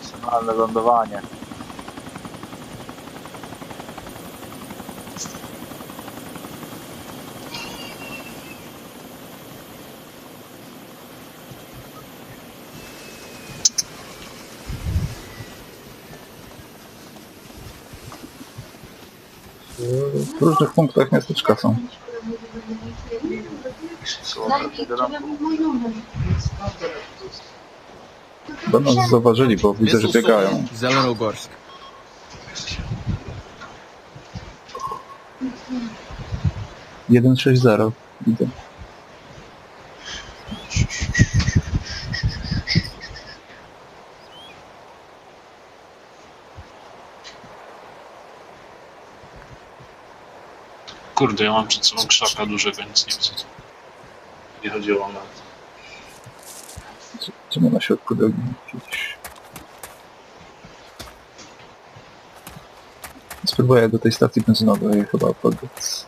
Profesjonalne lądowanie. W różnych punktach miasteczka są. Będą nas zauważyli, bo widzę, że biegają. Zelenogorsk. 160 widzę. Kurde, ja mam przed sobą krzaka dużego, nic nie widzę. Nie chodziło o to. Czemu na środku drogi? Gdzieś. Spróbuję do tej stacji benzynowej chyba podbiec.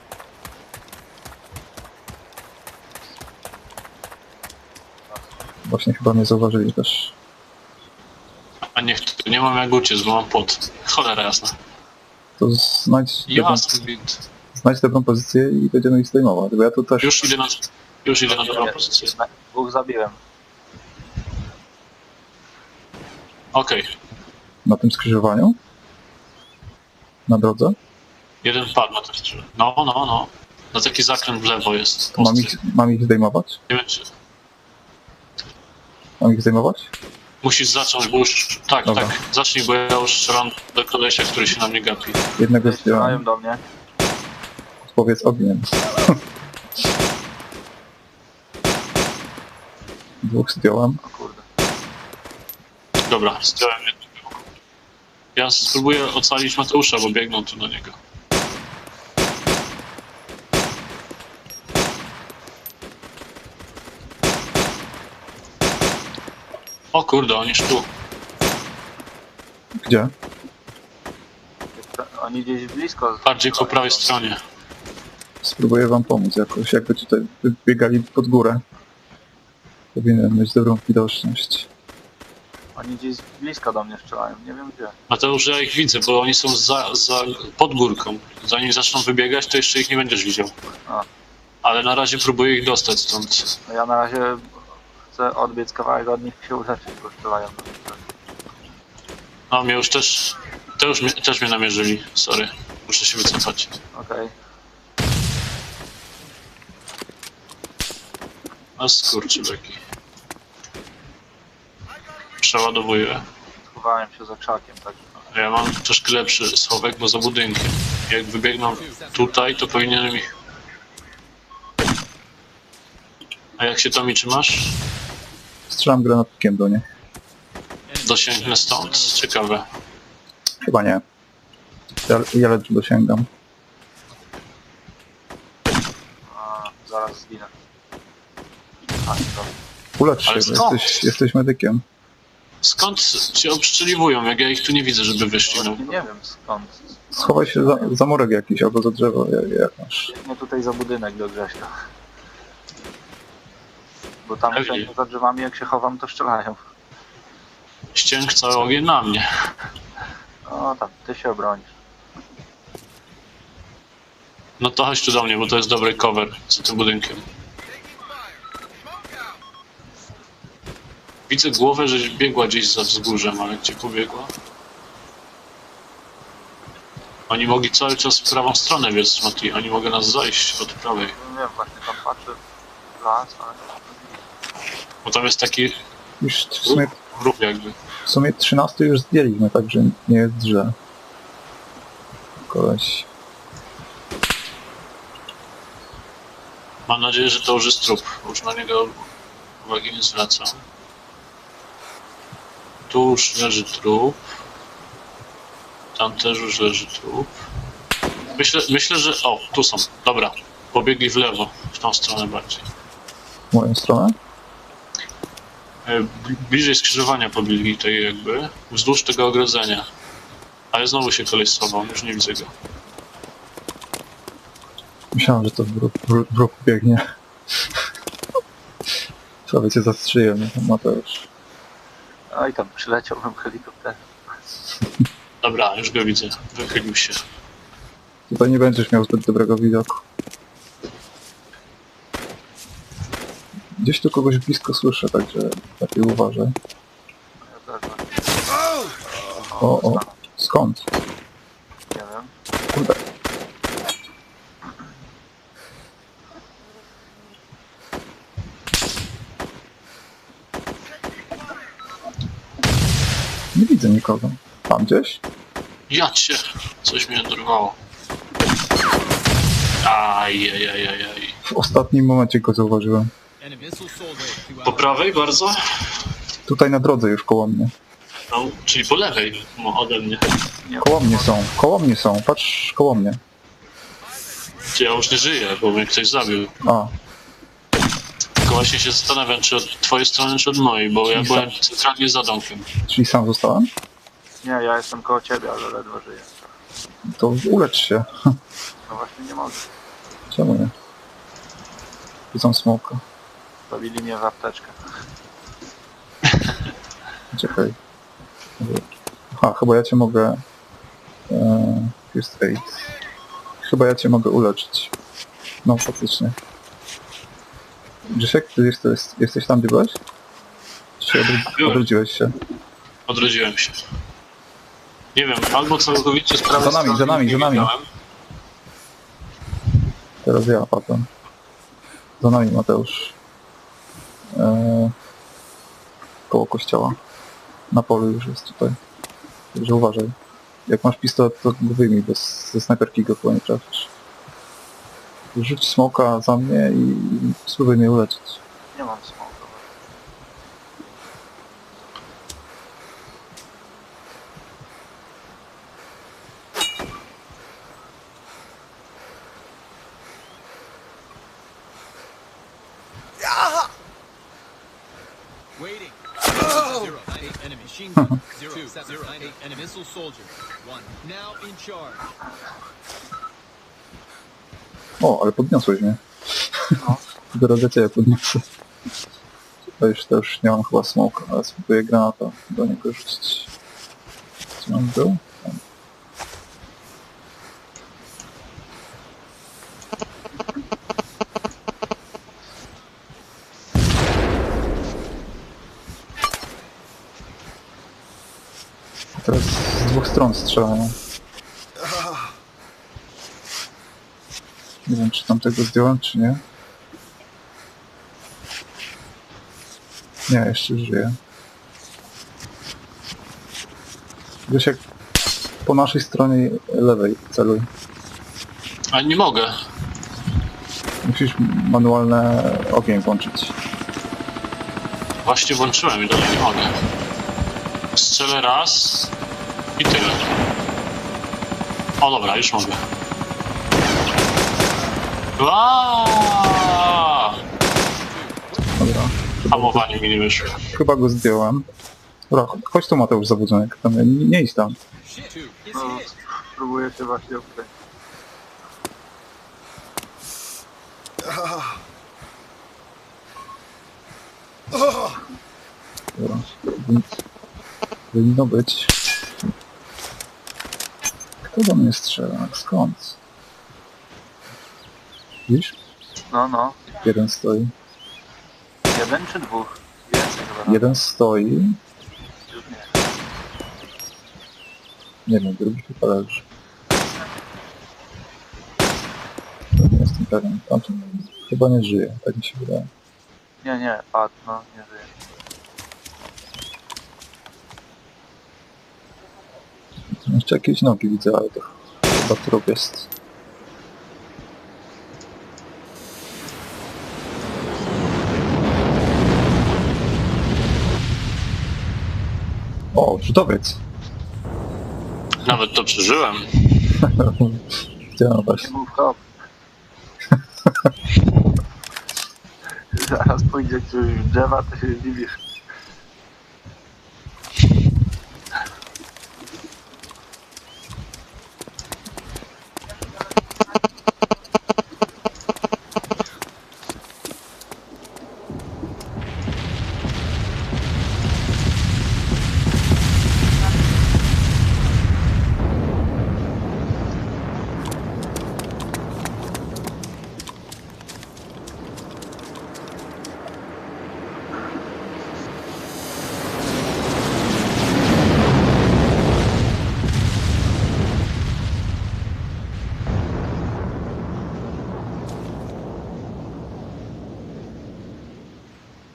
Właśnie chyba mnie zauważyli też. A niech tu nie mam jak uciec, bo mam pot. Cholera jasna. To znajdź dobrą pozycję i będziemy ich zdejmować, bo ja tu też... Już idę na dobrą pozycję. Dwóch zabiłem. Okej. Na tym skrzyżowaniu? Na drodze? Jeden padł na tym strzele. No. Na taki zakręt w lewo jest. Mam ich zdejmować? Nie wiem czy... Mam ich zdejmować? Musisz zacząć, bo już... Tak, Dobra. tak. Zacznij, bo ja już strzelam do kolesia, który się na mnie gapi. Jednego Strzelają zdjąłem. do mnie. Powiedz ogniem. Dwóch zdjąłem. O kurde. Dobra, zdjąłem jednego. Ja spróbuję ocalić Mateusza, bo biegną tu do niego. O kurde, on już tu. Gdzie? Oni gdzieś blisko. Bardziej po prawej stronie. Spróbuję wam pomóc jakoś. Jakby tutaj biegali pod górę. Powinienem mieć dobrą widoczność. Oni gdzieś blisko do mnie strzelają, nie wiem gdzie. Mateusz, ja ich widzę, bo oni są pod górką. Zanim zaczną wybiegać, to jeszcze ich nie będziesz widział. A. Ale na razie próbuję ich dostać stąd. No ja na razie chcę odbiec kawałek od nich i się uleczyć, bo strzelają do mnie. No, mnie już też... Też mnie namierzyli, sorry. Muszę się wycofać. Okej. A skurczybeki. Przeładowuję. Schowałem się za krzakiem, tak. Ja mam troszkę lepszy schowek, bo za budynkiem. Jak wybiegną tutaj, to powinienem ich... A jak się tam i trzymasz? Strzelam granatnikiem do nich. Dosięgnę stąd? Ciekawe. Chyba nie. Ja lecz dosięgam. A, zaraz zginę. A, dobra. Ulecz się, Ale bo skąd? jesteś medykiem. Skąd się obszczeliwują, jak ja ich tu nie widzę, żeby wyszli? No. Właśnie nie wiem skąd. Schowaj się za murek jakiś albo za drzewo, jak masz. Biegnie tutaj za budynek do Grześka. Bo tam Pewnie. wszędzie za drzewami jak się chowam to strzelają. Ścięg cały ogień na mnie. O tam, ty się obronisz. No to chodź tu do mnie, bo to jest dobry cover za tym budynkiem. Widzę głowę, że biegła gdzieś za wzgórzem, ale gdzie pobiegła? Oni mogli cały czas w prawą stronę biec, Mati. Oni mogą nas zajść od prawej. Nie wiem, właśnie tam patrzę w las, ale... No Bo tam jest taki Już ruch jakby. w sumie 13 już zdjęliśmy, także nie jest źle. Koleś. Mam nadzieję, że to już jest trup. Już na niego uwagi nie zwracam. Tu już leży trup. Tam też już leży trup. Myślę, że... O, tu są. Dobra. Pobiegli w lewo. W tą stronę bardziej. W moją stronę? Bliżej skrzyżowania pobiegli tej jakby. Wzdłuż tego ogrodzenia. Ale znowu się koleś schował. Już nie widzę go. Myślałem, że to w ruch biegnie. Prawie cię zastrzeliłem, Mateusz. Oj, tam przyleciałbym helikopterem. Dobra, już go widzę. Wychylił się. Tutaj nie będziesz miał zbyt dobrego widoku. Gdzieś tu kogoś blisko słyszę, także lepiej uważaj. Ja też O, skąd? nie wiem. Kurde. Nie widzę nikogo. Tam gdzieś? Ja cię! Coś mnie dorwało. Ajajajajaj. W ostatnim momencie go zauważyłem. Po prawej bardzo? Tutaj na drodze już koło mnie. No, czyli po lewej ode mnie. Koło mnie są, patrz koło mnie. Czy ja już nie żyję, bo mnie ktoś zabił. A, Tylko właśnie się zastanawiam, czy od twojej strony, czy od mojej, bo ja byłem centralnie za domkiem. czyli sam zostałem? Nie, ja jestem koło ciebie, ale ledwo żyję. To ulecz się. No właśnie nie mogę. Czemu nie? Widzą smoka. Zabili mnie w apteczkę. Czekaj. Aha, chyba ja cię mogę... First aid. Chyba ja cię mogę uleczyć. No, faktycznie. Grzesiek, ty jesteś tam, gdzie byłeś? Czy Byłem. odrodziłeś się? Odrodziłem się. Nie wiem, albo całkowicie z prawej Za nami, strony za nami, nie za nami. widziałem. Teraz ja padłem. Za nami Mateusz. Koło kościoła. Na polu już jest tutaj. Także uważaj. Jak masz pistolet, to go wyjmij, bo ze snajperki go chyba nie trafisz. Rzuć smoka za mnie i spróbuj mnie uleczyć. Nie mam smoku. Waiting. 098 enemy machine gun. 098 enemy missile soldier. 1 now in charge. O, ale podniosłeś mnie. No. Dopiero do ciebie podniosę. To już nie mam chyba smoka, ale spróbuję granata do niego rzucić. Gdzie on był? Tam. Teraz z dwóch stron strzelają. Nie wiem, czy tam tego zdjąłem, czy nie. Nie, jeszcze żyję. Grzesiek, po naszej stronie lewej celuj. A nie mogę. Musisz manualne ogień włączyć. Właśnie włączyłem i dalej nie mogę. Strzelę raz i tyle. O dobra, już mogę. Aaaa! Dobra. Hamowanie mi nie wyszło. Chyba go zdjąłem. Dobra, chodź tu Mateusz Zabudzonek. Tam, nie idź tam. Shit. It's No, hit. spróbuję się właśnie ukryć. Dobra. Powinno być. Kto do mnie strzela? Skąd? Widzisz? No. Jeden stoi. Jeden czy dwóch? Więcej chyba. Jeden stoi. Już nie. Nie wiem, drugi chyba leży. Nie jestem pewien. Tamten chyba nie żyje, tak mi się wydaje. Nie, padł, no, nie żyje. Jeszcze jakieś nogi widzę, ale to chyba trup jest. O, rzutowiec. Nawet to przeżyłem. Chciałem właśnie. Move hop. Zaraz pójdzie ktoś w drzewa, to się zdziwisz.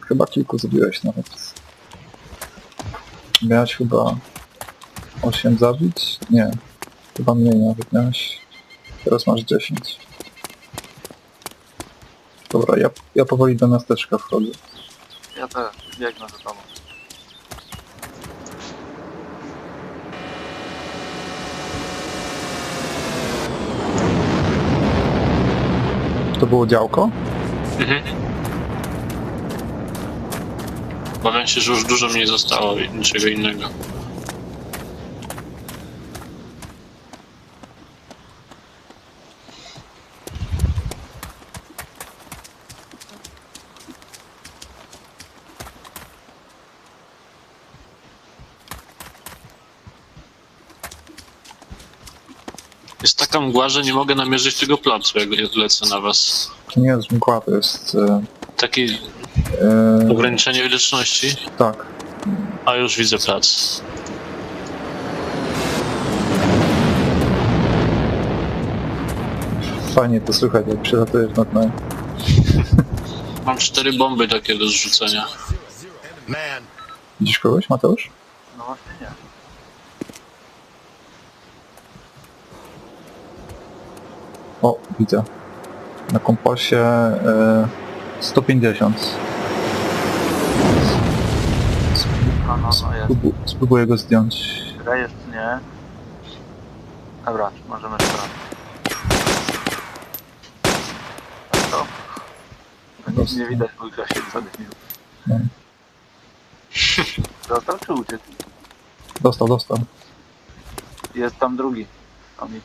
Chyba kilku zabiłeś nawet. Miałeś chyba 8 zabić? Nie. Chyba mniej nawet miałeś. Teraz masz 10. Dobra, ja powoli do miasteczka wchodzę. Ja też biegnę za tobą. To było działko? Mhm. Obawiam się, że już dużo mniej zostało i niczego innego. Jest taka mgła, że nie mogę namierzyć tego placu, jak lecę na was. To nie jest mgła, to jest... Takie ograniczenie widoczności. tak. A już widzę plac. Fajnie to słychać, jak przylatujesz nad nami. Mam 4 bomby takie do zrzucenia. Man, Widzisz kogoś, Mateusz? No właśnie nie. O, widzę. Na kompasie 150. No jest. Spróbuję go zdjąć. Rejestr nie. Dobra, możemy sprawdzić. To? No nic nie widać, bo Grzesiek zadymił. No. Dostał czy uciekł? Dostał. Jest tam drugi. Tomi.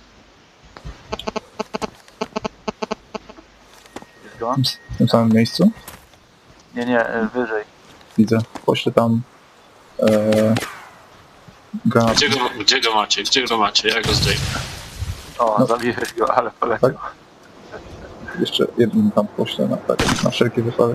Jest go? W tym samym miejscu? Nie, wyżej. Widzę. Poślę tam granat. Gdzie go macie? Gdzie go macie? Ja go zdejmę. O, No. zabiłeś go, ale poleciał. Tak? Jeszcze jeden tam poślę na wszelki wypadek.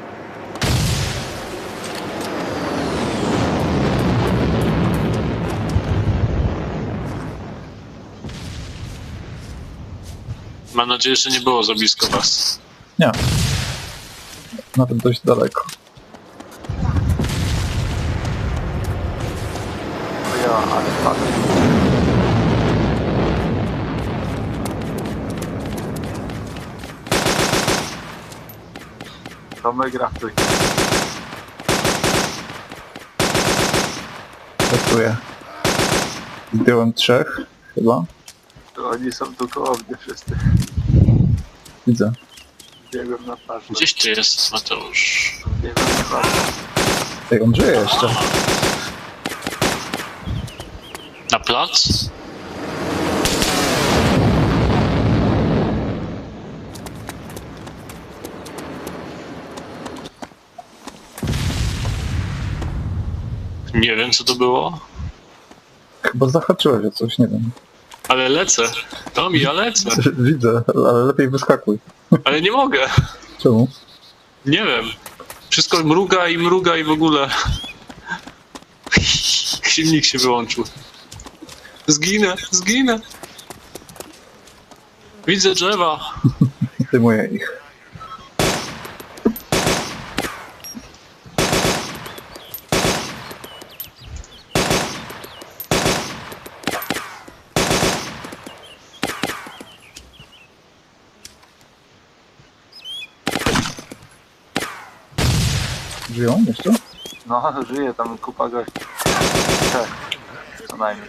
Mam nadzieję, że nie było za blisko was. Nie. Nawet dość daleko. To ja, ale spadł. To my gratuj. Testuję. Zdjąłem 3 chyba. To oni są tu koło mnie wszyscy. Widzę. Biegłem na twarz. Gdzieś ty jest, Mateusz. Biegłem na twarz. Ej, on żyje jeszcze. Na plac? Nie wiem, co to było, Chyba zahaczyłeś o coś, nie wiem. ale lecę. Tomi, ja lecę. Widzę, ale lepiej wyskakuj. Ale nie mogę. Czemu? Nie wiem. Wszystko mruga i w ogóle. Silnik się wyłączył. Zginę. Widzę drzewa. Zdejmuję ich. Żyją jeszcze? No, żyje tam kupa gości. Tak, co najmniej.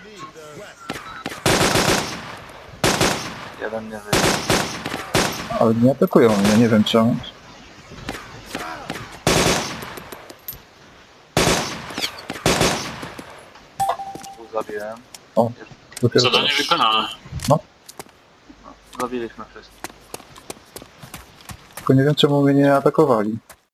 Jeden nie żyje. Ale nie atakują mnie, nie wiem czemu. Tu zabiłem. O, dopiero Zadanie teraz. wykonane. No, zabiliśmy wszystkich. Tylko nie wiem czemu mnie nie atakowali.